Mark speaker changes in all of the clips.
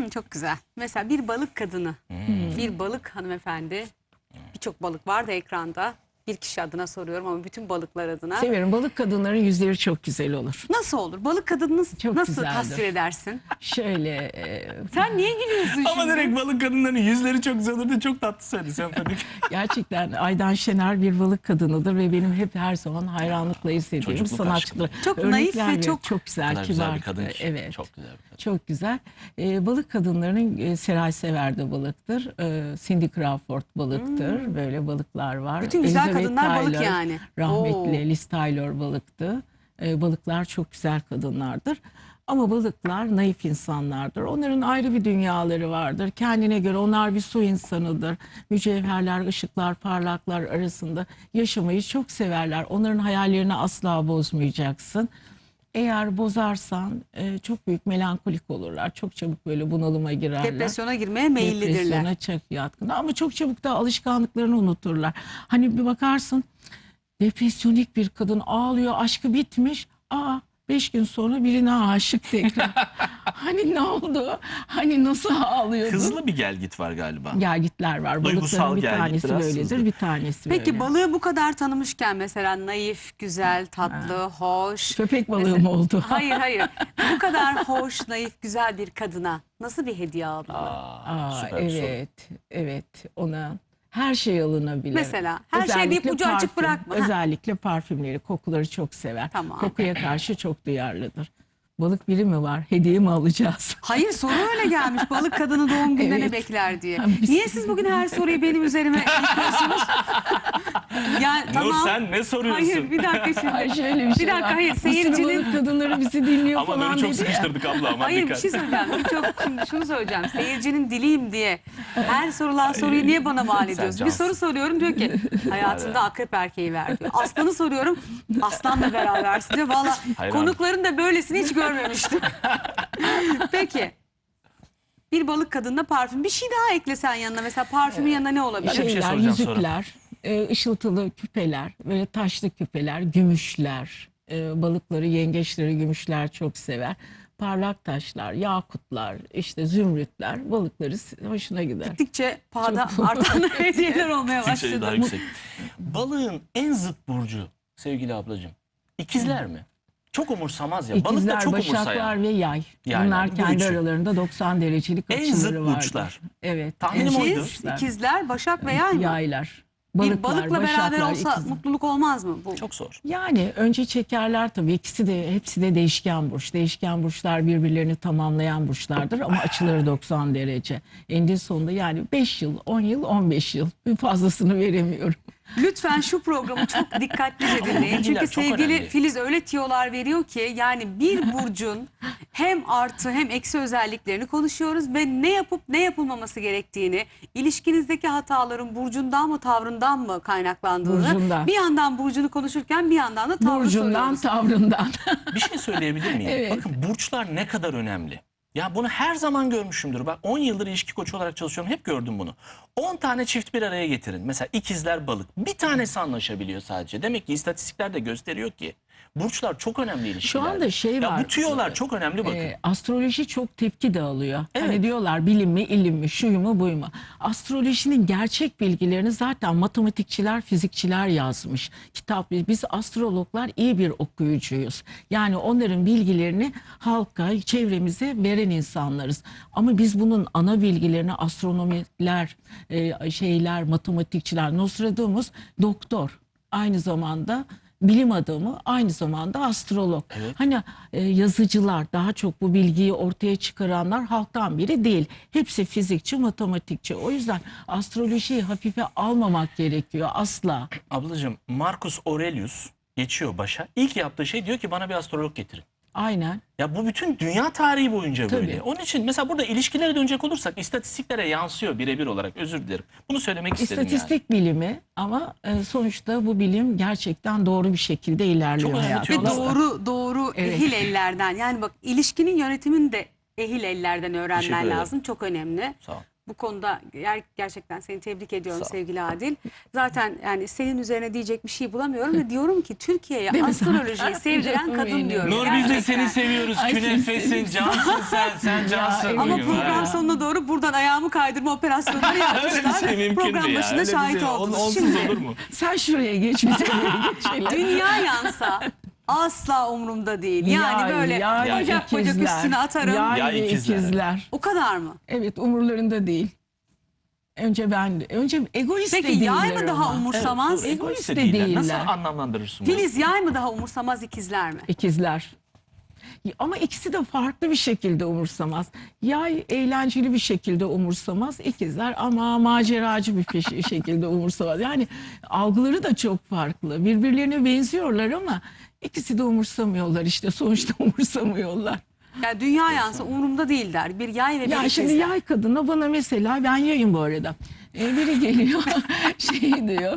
Speaker 1: Çok güzel. Mesela bir balık kadını, bir balık hanımefendi, birçok balık var da ekranda. Bir kişi adına soruyorum ama bütün balıklar adına.
Speaker 2: Severim. Balık kadınların yüzleri çok güzel olur.
Speaker 1: Nasıl olur? Balık kadını
Speaker 2: Çok
Speaker 1: nasıl
Speaker 2: güzeldir.
Speaker 1: tasvir edersin?
Speaker 2: Şöyle
Speaker 1: Sen niye gülüyorsun
Speaker 3: Ama
Speaker 1: şimdi?
Speaker 3: direkt balık kadınların yüzleri çok güzel olur diye çok tatlı söyledi, sempatik.
Speaker 2: gerçekten Aydan Şener bir balık kadınıdır ve benim hep her zaman hayranlıkla izlediğim
Speaker 3: Çocukluk
Speaker 2: sanatçıdır.
Speaker 1: Çok
Speaker 2: Örnekler
Speaker 1: naif ve
Speaker 2: veriyor.
Speaker 1: çok
Speaker 2: güzel,
Speaker 3: kadar
Speaker 2: kibar.
Speaker 3: güzel bir kadın ki.
Speaker 2: Evet.
Speaker 3: Çok güzel bir kadın.
Speaker 2: Çok güzel. Balık kadınlarının Seray Sever de balıktır. Cindy Crawford balıktır. Böyle balıklar var.
Speaker 1: Bütün güzel
Speaker 2: Elizabeth
Speaker 1: kadınlar balık
Speaker 2: Taylor,
Speaker 1: yani.
Speaker 2: Rahmetli
Speaker 1: Oo.
Speaker 2: Liz Taylor balıktı. Balıklar çok güzel kadınlardır. Ama balıklar naif insanlardır. Onların ayrı bir dünyaları vardır. Kendine göre onlar bir su insanıdır. Mücevherler, ışıklar, parlaklar arasında yaşamayı çok severler. Onların hayallerini asla bozmayacaksın. Eğer bozarsan çok büyük melankolik olurlar. Çok çabuk böyle bunalıma girerler.
Speaker 1: Depresyona girmeye meyillidirler.
Speaker 2: Depresyona çok yatkın. Ama çok çabuk da alışkanlıklarını unuturlar. Hani bir bakarsın, depresyonik bir kadın ağlıyor, aşkı bitmiş. 5 gün sonra birine aşık tekrar. Hani ne oldu? Hani nasıl ağlıyordu?
Speaker 3: Hızlı bir gelgit var galiba.
Speaker 2: Gelgitler var.
Speaker 3: Duygusal
Speaker 2: Balıkların bir
Speaker 3: gelgit,
Speaker 2: tanesi
Speaker 3: biraz
Speaker 2: böyledir,
Speaker 3: hızlı.
Speaker 2: bir tanesi
Speaker 1: Peki
Speaker 2: böyle.
Speaker 1: balığı bu kadar tanımışken mesela naif, güzel, tatlı, hoş.
Speaker 2: Köpek balığı mı oldu?
Speaker 1: Hayır. Bu kadar hoş, naif, güzel bir kadına nasıl bir hediye almalı?
Speaker 3: Süper bir soru.
Speaker 2: Evet, ona her şey alınabilir.
Speaker 1: Mesela her şey deyip ucu açık bırakma.
Speaker 2: Özellikle parfümleri, kokuları çok sever.
Speaker 1: Tamam.
Speaker 2: Kokuya karşı çok duyarlıdır. Balık biri mi var? Hediye mi alacağız?
Speaker 1: Hayır, soru öyle gelmiş. Balık kadını doğum gününe ne
Speaker 2: Evet.
Speaker 1: bekler diye.
Speaker 2: Biz-
Speaker 1: Niye siz bugün her soruyu benim üzerime yıkıyorsunuz? Yani
Speaker 3: Nur,
Speaker 1: tamam.
Speaker 3: sen ne soruyorsun?
Speaker 1: Hayır, bir dakika şimdi.
Speaker 2: Ay şöyle bir
Speaker 1: Bir
Speaker 2: şey
Speaker 1: dakika,
Speaker 2: var.
Speaker 1: hayır,
Speaker 2: Bir sürü
Speaker 1: seyircinin-
Speaker 2: balık kadınları bizi dinliyor
Speaker 3: Ama
Speaker 2: falan
Speaker 3: Nur'u çok
Speaker 2: dedi ya.
Speaker 3: sıkıştırdık abla, aman
Speaker 1: Hayır, bir
Speaker 3: dikkat.
Speaker 1: şey söyleyeceğim. Şimdi şunu söyleyeceğim. Seyircinin diliyim diye her sorulan soruyu niye bana mal ediyorsun? Bir
Speaker 3: cansın.
Speaker 1: soru soruyorum, diyor ki hayatında akrep erkeği ver diyor. Aslanı soruyorum, aslanla berabersin diyor. Valla
Speaker 3: Hayran.
Speaker 1: konukların da böylesini hiç görmemiştim. Peki. Bir balık kadınla parfüm. Bir şey daha eklesen yanına. Mesela parfümün yanına ne olabilir?
Speaker 3: Bir şey
Speaker 2: Şeyler,
Speaker 3: soracağım sonra.
Speaker 2: yüzükler, ışıltılı küpeler, böyle taşlı küpeler, gümüşler, balıkları, yengeçleri gümüşler çok sever. Parlak taşlar, yakutlar, işte zümrütler balıkları hoşuna gider.
Speaker 1: Gittikçe pahada artan hediyeler olmaya
Speaker 3: Gittikçe daha
Speaker 1: başladı.
Speaker 3: yüksek. Balığın en zıt burcu sevgili ablacığım, İkizler mi? Çok umursamaz ya. Balık da
Speaker 2: İkizler,
Speaker 3: çok
Speaker 2: başaklar
Speaker 3: umursayan.
Speaker 2: ve yay.
Speaker 3: Yaylar,
Speaker 2: Bunlar
Speaker 3: bu
Speaker 2: kendi
Speaker 3: üçü.
Speaker 2: aralarında 90 derecelik
Speaker 3: En
Speaker 2: açıları
Speaker 3: zıt
Speaker 2: vardır.
Speaker 3: burçlar.
Speaker 2: Evet.
Speaker 3: Tahminim
Speaker 2: en
Speaker 3: oydu.
Speaker 2: zıt
Speaker 1: İkizler, Başak ve Yay mı?
Speaker 2: Yaylar.
Speaker 1: Bir balıkla beraber
Speaker 2: başaklar,
Speaker 1: olsa
Speaker 2: ikizler.
Speaker 1: mutluluk olmaz mı? Bu
Speaker 3: Çok zor.
Speaker 2: Yani önce çekerler tabii, hepsi de değişken burç. Değişken burçlar birbirlerini tamamlayan burçlardır ama açıları 90 derece. Eninde sonunda yani 5 yıl, 10 yıl, 15 yıl, bir fazlasını veremiyorum.
Speaker 1: Lütfen şu programı çok dikkatlice dinleyin.
Speaker 3: bilgiler
Speaker 1: Çünkü
Speaker 3: çok
Speaker 1: sevgili
Speaker 3: önemli.
Speaker 1: Filiz öyle tiyolar veriyor ki yani bir burcun hem artı hem eksi özelliklerini konuşuyoruz ve ne yapıp ne yapılmaması gerektiğini, ilişkinizdeki hataların burcundan mı tavrından mı kaynaklandığını,
Speaker 2: Burcundan.
Speaker 1: bir yandan burcunu konuşurken bir yandan da tavrı
Speaker 2: Burcundan,
Speaker 1: soruyoruz.
Speaker 2: tavrından.
Speaker 3: Bir şey söyleyebilir miyim?
Speaker 2: Evet.
Speaker 3: Bakın burçlar ne kadar önemli. Ya bunu her zaman görmüşümdür. Bak 10 yıldır ilişki koçu olarak çalışıyorum. Hep gördüm bunu. 10 tane çift bir araya getirin. Mesela ikizler balık. Bir tanesi anlaşabiliyor sadece. Demek ki istatistikler de gösteriyor ki burçlar çok önemli ilişkilerde.
Speaker 2: anda şey
Speaker 3: ya
Speaker 2: var.
Speaker 3: Bu tüyolar çok önemli bakın.
Speaker 2: Astroloji çok tepki dağılıyor.
Speaker 3: Evet.
Speaker 2: Hani diyorlar bilim mi, ilim mi, şuyu mu, buyu mu? Astrolojinin gerçek bilgilerini zaten matematikçiler, fizikçiler yazmış. Biz astrologlar iyi bir okuyucuyuz. Yani onların bilgilerini halka, çevremize veren insanlarız. Ama biz bunun ana bilgilerini astronomiler, matematikçiler, Nostradamus doktor. Aynı zamanda bilim adamı, aynı zamanda astrolog.
Speaker 3: Evet.
Speaker 2: Hani yazıcılar, daha çok bu bilgiyi ortaya çıkaranlar halktan biri değil. Hepsi fizikçi, matematikçi. O yüzden astrolojiyi hafife almamak gerekiyor asla.
Speaker 3: Ablacığım Marcus Aurelius geçiyor başa. İlk yaptığı şey diyor ki bana bir astrolog getirin.
Speaker 2: Aynen.
Speaker 3: Ya bu bütün dünya tarihi boyunca
Speaker 2: Tabii.
Speaker 3: böyle. Onun için mesela burada ilişkilere dönecek olursak istatistiklere yansıyor birebir olarak. Özür dilerim. Bunu söylemek istedim yani.
Speaker 2: İstatistik bilimi ama sonuçta bu bilim gerçekten doğru bir şekilde ilerliyor
Speaker 3: Çok önemli
Speaker 2: hayatımızda.
Speaker 1: Ve
Speaker 3: tüyolar.
Speaker 1: doğru
Speaker 2: Evet.
Speaker 1: ehil ellerden, yani bak ilişkinin yönetimini de ehil ellerden
Speaker 3: Teşekkür
Speaker 1: öğrenmen
Speaker 3: ederim.
Speaker 1: lazım. Çok önemli.
Speaker 3: Sağ ol.
Speaker 1: Bu konuda gerçekten seni tebrik ediyorum
Speaker 3: Sağ ol.
Speaker 1: sevgili Adil. Zaten yani senin üzerine diyecek bir şey bulamıyorum ve diyorum ki Türkiye'ye
Speaker 2: Değil mi?
Speaker 1: astrolojiyi sevdiren
Speaker 2: Canım
Speaker 1: kadın
Speaker 2: benim.
Speaker 1: diyorum.
Speaker 3: Nur biz de
Speaker 1: Gerçekten.
Speaker 3: seni seviyoruz.
Speaker 2: Ay,
Speaker 3: Künefesin,
Speaker 2: seni
Speaker 3: cansın sen cansın.
Speaker 2: evet.
Speaker 1: Ama
Speaker 3: bugün.
Speaker 1: program
Speaker 3: Ha.
Speaker 1: sonuna doğru buradan ayağımı kaydırma operasyonları
Speaker 3: Öyle bir
Speaker 1: yapmışlar.
Speaker 3: şey mümkün
Speaker 1: Program
Speaker 3: mü ya?
Speaker 1: başında
Speaker 3: Öyle bir
Speaker 1: şahit
Speaker 3: şey
Speaker 1: oldunuz.
Speaker 3: onsuz
Speaker 1: Şimdi
Speaker 3: olur mu?
Speaker 2: Sen şuraya geç, biz oraya geçelim.
Speaker 1: dünya yansa asla umurumda değil. Yani böyle
Speaker 3: yay,
Speaker 1: bacak bacak
Speaker 2: ikizler.
Speaker 1: üstüne atarım.
Speaker 2: Yay
Speaker 3: Yay,
Speaker 2: ve
Speaker 3: ikizler.
Speaker 2: ikizler.
Speaker 1: O kadar mı?
Speaker 2: Evet, umurlarında değil. Önce egoist
Speaker 1: Peki
Speaker 2: de
Speaker 1: yay
Speaker 2: değiller
Speaker 1: mı daha
Speaker 2: ama.
Speaker 1: umursamaz?
Speaker 3: Dur,
Speaker 2: Egoist de
Speaker 3: değiller.
Speaker 2: değiller.
Speaker 3: Nasıl anlamlandırırsın bunu?
Speaker 1: Filiz yay mı daha umursamaz ikizler mi?
Speaker 2: İkizler. Ama ikisi de farklı bir şekilde umursamaz. Yay eğlenceli bir şekilde umursamaz. İkizler ama maceracı bir şekilde umursamaz. Yani algıları da çok farklı. Birbirlerine benziyorlar ama ikisi de umursamıyorlar işte. Sonuçta umursamıyorlar.
Speaker 1: Yani dünya yansa umurumda değil der. Bir yay ve bir
Speaker 2: Ya
Speaker 1: ikizler.
Speaker 2: şimdi yay kadına bana mesela, ben yayım bu arada. Biri geliyor şey diyor,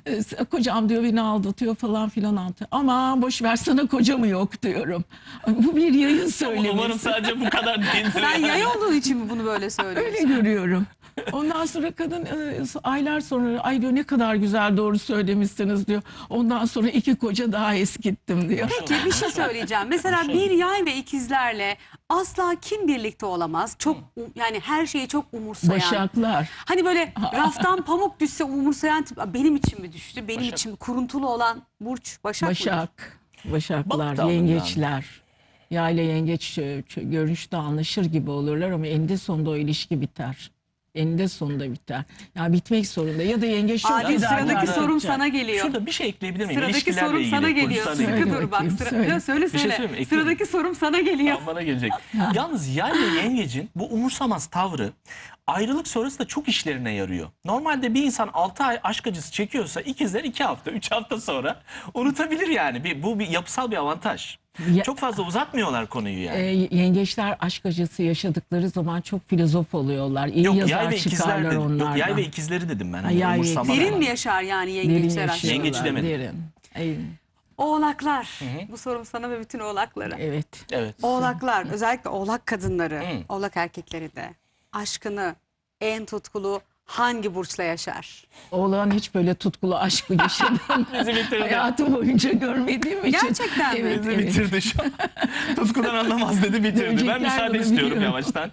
Speaker 2: kocam diyor beni aldatıyor falan filan anlatıyor. Ama boş ver, sana koca mı yok diyorum. Bu bir yayın söylemesi.
Speaker 3: Umarım sadece bu kadar değildir.
Speaker 1: Sen yay olduğun için mi bunu böyle
Speaker 2: Öyle
Speaker 1: söylüyorsun?
Speaker 2: görüyorum. Ondan sonra kadın aylar sonra, ay diyor ne kadar güzel doğru söylemişsiniz diyor. Ondan sonra 2 koca daha eskittim diyor.
Speaker 1: Peki bir şey söyleyeceğim. Mesela bir yay ve ikizlerle asla kim birlikte olamaz? Çok yani her şeyi çok umursayan.
Speaker 2: Başaklar.
Speaker 1: Hani böyle raftan pamuk düşse umursayan tip. Benim için mi düştü? Benim
Speaker 3: Başak.
Speaker 1: için mi? Kuruntulu olan burç Başak mıdır?
Speaker 2: Başak. Başaklar,
Speaker 3: Balık da
Speaker 2: yengeçler. Yayla yengeç görünüşte anlaşır gibi olurlar ama eninde sonunda o ilişki biter. Eninde sonunda biter. Ya bitmek zorunda. Ya da yengeç çok
Speaker 1: Adil,
Speaker 2: fedakarlık
Speaker 1: sıradaki sorum
Speaker 2: yapacak.
Speaker 1: sana geliyor.
Speaker 3: Şurada bir şey ekleyebilir miyim?
Speaker 1: Sıradaki
Speaker 3: İlişkilerle
Speaker 1: sorum
Speaker 3: ilgili,
Speaker 1: sana geliyor.
Speaker 3: burçlarla
Speaker 1: Sıkı
Speaker 3: ilgili.
Speaker 2: Söyle
Speaker 1: dur bak.
Speaker 2: bakayım, söyle.
Speaker 1: Yok, söyle
Speaker 3: Bir şey
Speaker 1: söyle.
Speaker 3: söyleyeyim mi?
Speaker 1: Sıradaki sorum sana geliyor.
Speaker 3: Bana gelecek. Yalnız yay ve yengecin bu umursamaz tavrı ayrılık sonrası da çok işlerine yarıyor. Normalde bir insan 6 ay aşk acısı çekiyorsa ikizler 2 hafta, 3 hafta sonra unutabilir yani. Bu bir yapısal bir avantaj.
Speaker 2: Ya-
Speaker 3: Çok fazla uzatmıyorlar konuyu yani.
Speaker 2: Yengeçler aşk acısı yaşadıkları zaman çok filozof oluyorlar. İyi
Speaker 3: Yok yay
Speaker 2: yazar
Speaker 3: ve ikizler
Speaker 2: çıkarlar
Speaker 3: dedim. Yok
Speaker 2: onlardan.
Speaker 3: yay ve ikizleri dedim ben. Hani
Speaker 2: yay ve
Speaker 3: umursamaz
Speaker 2: ikizler.
Speaker 1: Derin
Speaker 3: olan.
Speaker 1: mi yaşar yani
Speaker 2: Derin
Speaker 1: yengeçler aşkı?
Speaker 2: yaşıyorlar,
Speaker 3: Yengeç demedim.
Speaker 2: derin. Ay,
Speaker 1: Oğlaklar. Bu sorum sana ve bütün oğlaklara.
Speaker 2: evet.
Speaker 3: Evet.
Speaker 1: Oğlaklar, özellikle oğlak kadınları,
Speaker 3: Hı.
Speaker 1: oğlak erkekleri de aşkını en tutkulu hangi burçla yaşar?
Speaker 2: Oğlan hiç böyle tutkulu aşkı yaşadım.
Speaker 3: Bizi bitirdi.
Speaker 2: Hayatım boyunca görmediğim için.
Speaker 1: Gerçekten mi?
Speaker 2: Evet,
Speaker 3: Bizi
Speaker 2: evet.
Speaker 3: bitirdi şu an. Tutkudan anlamaz dedi bitirdi. Ben
Speaker 2: Dönecekler
Speaker 3: müsaade
Speaker 2: bunu
Speaker 3: istiyorum
Speaker 2: biliyorum.
Speaker 3: yavaştan.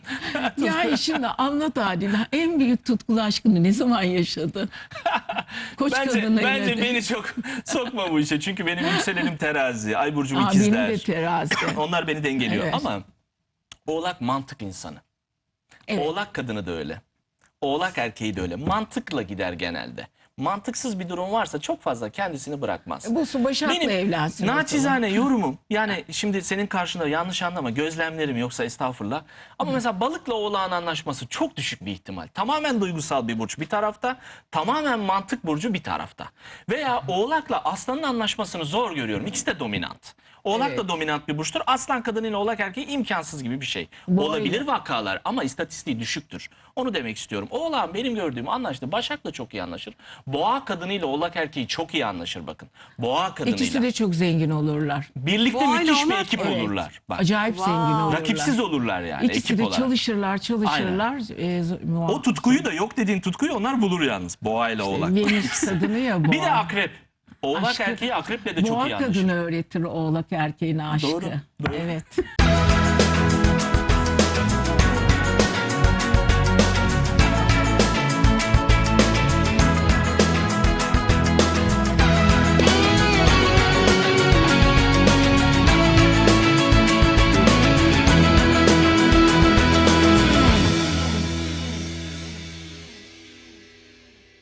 Speaker 2: Ya şimdi anlat Adil. En büyük tutkulu aşkını ne zaman yaşadın? Koç kadınla
Speaker 3: Bence
Speaker 2: yine de.
Speaker 3: beni çok sokma bu işe. Çünkü benim yükselenim terazi, ay burcum
Speaker 2: Aa, benim
Speaker 3: ikizler.
Speaker 2: de terazi.
Speaker 3: Onlar beni dengeliyor.
Speaker 2: Evet.
Speaker 3: Ama oğlak mantık insanı.
Speaker 2: Evet.
Speaker 3: Oğlak kadını da öyle. Oğlak erkeği de öyle. Mantıkla gider genelde. Mantıksız bir durum varsa çok fazla kendisini bırakmaz.
Speaker 2: Bu su Başak'la
Speaker 3: Benim
Speaker 2: evlensin.
Speaker 3: naçizane yorumum, yani şimdi senin karşında yanlış anlama, gözlemlerim yoksa estağfurullah. Ama mesela balıkla oğlağın anlaşması çok düşük bir ihtimal. Tamamen duygusal bir burç bir tarafta, tamamen mantık burcu bir tarafta. Veya oğlakla aslanın anlaşmasını zor görüyorum. İkisi de dominant. Oğlak da
Speaker 2: Evet.
Speaker 3: dominant bir burçtur. Aslan kadınıyla oğlak erkeği imkansız gibi bir şey.
Speaker 2: Bu
Speaker 3: Olabilir
Speaker 2: öyle.
Speaker 3: vakalar ama istatistiği düşüktür. Onu demek istiyorum. Oğlağın benim gördüğüm anlaştı. Başak'la çok iyi anlaşır. Boğa kadınıyla oğlak erkeği çok iyi anlaşır bakın. Boğa kadınıyla.
Speaker 2: İkisi de çok zengin olurlar.
Speaker 3: Birlikte
Speaker 1: Boğayla
Speaker 3: müthiş bir
Speaker 1: oğlak-
Speaker 3: ekip
Speaker 2: Evet.
Speaker 3: olurlar. Bak.
Speaker 2: Acayip
Speaker 1: Wow.
Speaker 2: zengin olurlar.
Speaker 3: Rakipsiz olurlar yani
Speaker 2: İkisi
Speaker 3: ekip
Speaker 2: de
Speaker 3: olarak.
Speaker 2: çalışırlar.
Speaker 3: O tutkuyu da yok dediğin tutkuyu onlar bulur yalnız. Boğayla oğlak.
Speaker 2: Venüs kadını ya boğa.
Speaker 3: Bir de akrep. Oğlak
Speaker 2: Aşkı-
Speaker 3: erkeği akreple de çok
Speaker 2: Boğa
Speaker 3: iyi anlaşır.
Speaker 2: kadını öğretir oğlak erkeğine aşkı.
Speaker 3: Doğru, doğru.
Speaker 2: Evet.